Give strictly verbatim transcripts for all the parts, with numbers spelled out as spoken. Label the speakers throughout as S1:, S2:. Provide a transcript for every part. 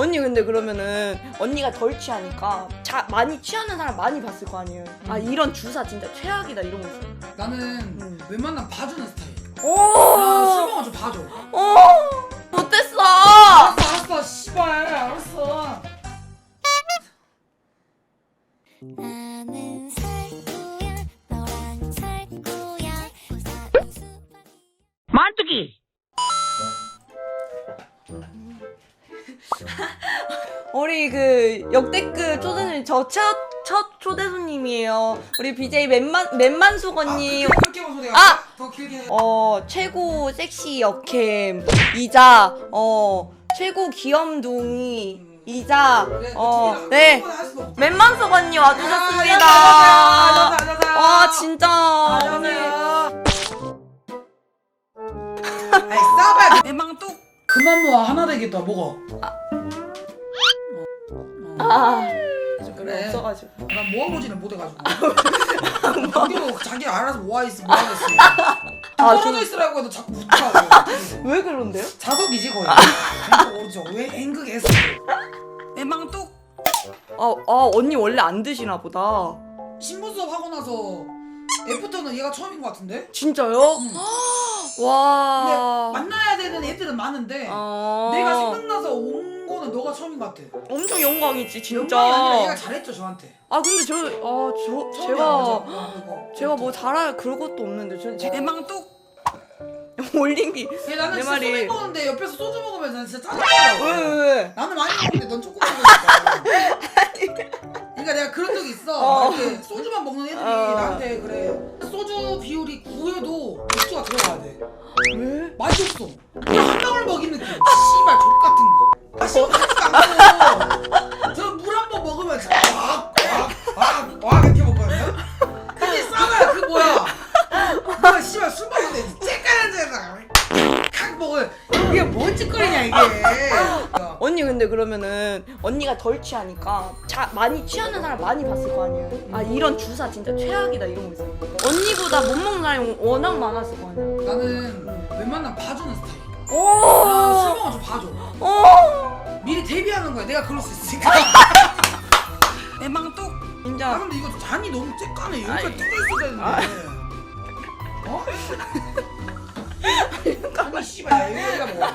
S1: 언니 근데 그러면은 언니가 덜 취하니까 자, 많이 취하는 사람 많이 봤을 거 아니에요.
S2: 음.
S1: 아 이런 주사 진짜 최악이다 이런 거 있어요.
S2: 나는
S1: 음.
S2: 웬만하면 봐주는 스타일.
S1: 오.
S2: 아, 술 먹으면 좀 봐줘.
S1: 오. 못됐어.
S2: 알았어 알았어 씨발 알았어.
S3: 나는 살 거야 너랑 살 거야
S4: 만두기.
S1: 우리 그 역대급 초대손님 저 첫 첫 초대 손님이에요. 우리 비제이 맨만 맨만숙 언니.
S2: 아, 그렇게 방송 내가
S1: 아!
S2: 더 길게 해.
S1: 어 최고 섹시 역캠 이자 어 최고 귀염둥이 이자 어네 맨만숙 언니 와주셨습니다. 와 진짜 언니.
S2: 아이 싸봐야 내 망뚝 그만 모아 하나 되겠다 먹어.
S1: 아
S2: 그래.
S1: 없어가지고.
S2: 난 모아보지는 못해가지고. 자기도 자기 알아서 모아있어 모아겠어.
S1: 아,
S2: 떨어져
S1: 저-
S2: 있으라고 해도 자꾸 붙어.
S1: 왜 그런데요?
S2: 자석이지 거의. 왼쪽 오른쪽 왜 앵극했어? 내 망뚝
S1: 아, 아 언니 원래 안 드시나 보다.
S2: 신분 수업 하고 나서 애프터는 얘가 처음인 것 같은데?
S1: 진짜요?
S2: 응.
S1: 와.
S2: 근데 만나야 되는 애들은 많은데
S1: 어...
S2: 내가 생각나서 온 거는 너가 처음인 것 같아.
S1: 엄청 영광이지 진짜.
S2: 영광이 아니라 얘가 잘했죠 저한테.
S1: 아 근데 저, 아 저,
S2: 처음이야,
S1: 제가
S2: 맞아. 이거.
S1: 제가 뭐 잘할 그럴 것도 없는데 저, 제
S2: 내 망뚝.
S1: 올린 게.
S2: 얘 나는
S1: 내
S2: 진짜
S1: 말이-
S2: 소맥 먹는데 옆에서 소주 먹으면 난 진짜
S1: 왜
S2: 짜증나.
S1: 왜 왜?
S2: 나는 많이 먹는데 넌 조금 먹으니까. 그러니까 내가 그런 적이 있어.
S1: 어.
S2: 이렇게 소주만 먹는 애들이
S1: 어.
S2: 나한테 그래. 소주 비율이 구여도 맥주가 들어가야 돼.
S1: 왜?
S2: 맛이 없어. 그냥 한 방울 먹인 느낌. 씨발 족 같은 거. 아 시원하지가 않고. 저 물 한 번 먹으면 진짜 와와와 이렇게 먹거든요. 근데 싸가야 그 뭐야? 뭐야 씨발 술 먹는데 째까는 데가 칵 먹을. 이게 뭔 짓거리냐 이게.
S1: 언니 근데 그러면은 언니가 덜 취하니까 자, 많이 취하는 사람 많이 봤을 거 아니에요. 아 이런 주사 진짜 최악이다 이런 거 있어요. 언니보다 못 먹는 사람이 워낙 많았을 거 아니야.
S2: 나는 웬만하면 봐주는 스타일.
S1: 오.
S2: 아, 술 먹으면 좀 봐줘.
S1: 오.
S2: 미리 데뷔하는 거야. 내가 그럴 수 있으니까. 내 망뚝. 아
S1: 진짜.
S2: 근데 이거 잔이 너무 쬐까네. 여기까지
S1: 아이.
S2: 뜯어 있어야 되는데.
S1: 아.
S2: 어? 아니 씨발 야 여기가 뭐.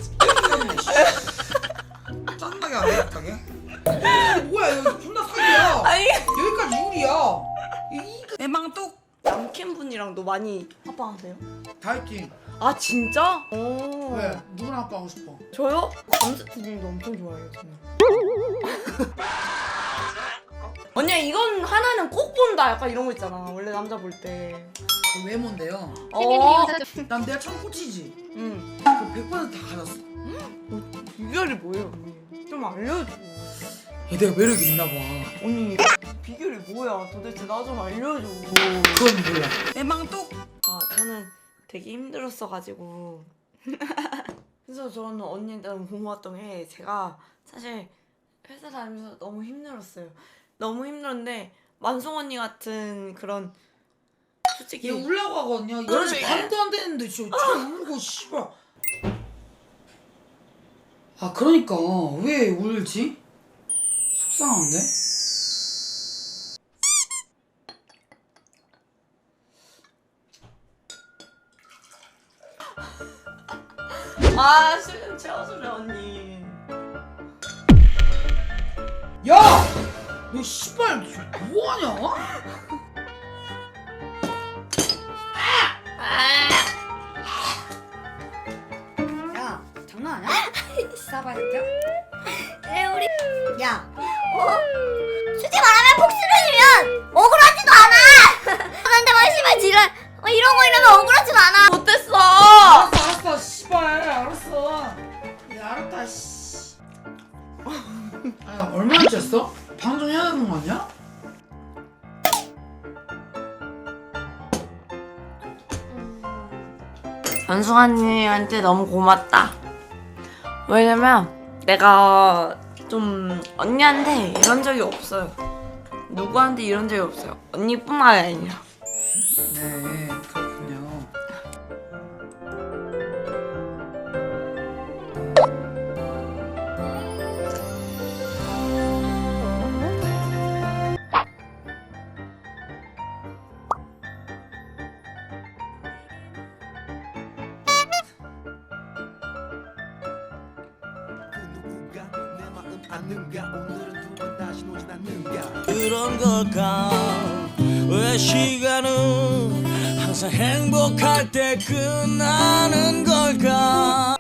S2: 짜증나게 안 해, 갑자기? 이게 뭐야 이거 존나 사기야.
S1: 아니
S2: 여기까지 유리야. 이거 내 망뚝.
S1: 남캠 분이랑도 많이 합방하세요?
S2: 다 했지.
S1: 아 진짜? 오.
S2: 왜? 누구랑 합방하고 싶어?
S1: 저요? 감스트님도 엄청 좋아해요 저는. 언니 이건 하나는 꼭 본다 약간 이런 거 있잖아 원래 남자 볼 때.
S2: 그 외모인데요.
S1: 어.
S2: 난 내가 처음 꽂히지.
S1: 응.
S2: 그 백 퍼센트 다 가졌어.
S1: 비결이 뭐예요 언니? 좀 알려줘.
S2: 얘 내가 매력이 있나 봐.
S1: 언니 비결이 뭐야 도대체 나 좀 알려줘.
S2: 그건 몰라. 내 망뚝.
S1: 아 저는 되게 힘들었어가지고 그래서 저는 언니한테 너무 고마웠던 게 제가 사실 회사 다니면서 너무 힘들었어요. 너무 힘들었는데 만송 언니 같은 그런 솔직히
S2: 얘 울라고 하거든요.
S1: 그러지.
S2: 이러면 반도 안 되는데 진짜 참 울고 씨발. 아 그러니까 왜 울지? 속상한데?
S1: 아 수련 채워주래 언니.
S2: 야! 너 씨발 뭐하냐?
S5: 야, 장난하냐? 싸봐 새끼야.
S3: 에 우리
S5: 야,
S3: 어? 솔직히 말하면 폭스른이면 억울하지도 않아. 근데 막 씨발 지랄 어, 이런 거 이러면 억울하지도 않아.
S1: 못됐어.
S2: 알았어 알았어 씨발 알았어. 야 알았다 씨. 아 얼마나 쬐어? 방송해야 되는 거 아니야?
S1: 연수아님한테 너무 고맙다. 왜냐면 내가 좀 언니한테 이런 적이 없어요. 누구한테 이런 적이 없어요. 언니뿐만 아니라.
S2: 네 그렇군요.
S4: 않는가 오늘은 두 번 다시 오진 않는가
S6: 그런 걸까 왜 시간은 항상 행복할 때 끝나는 걸까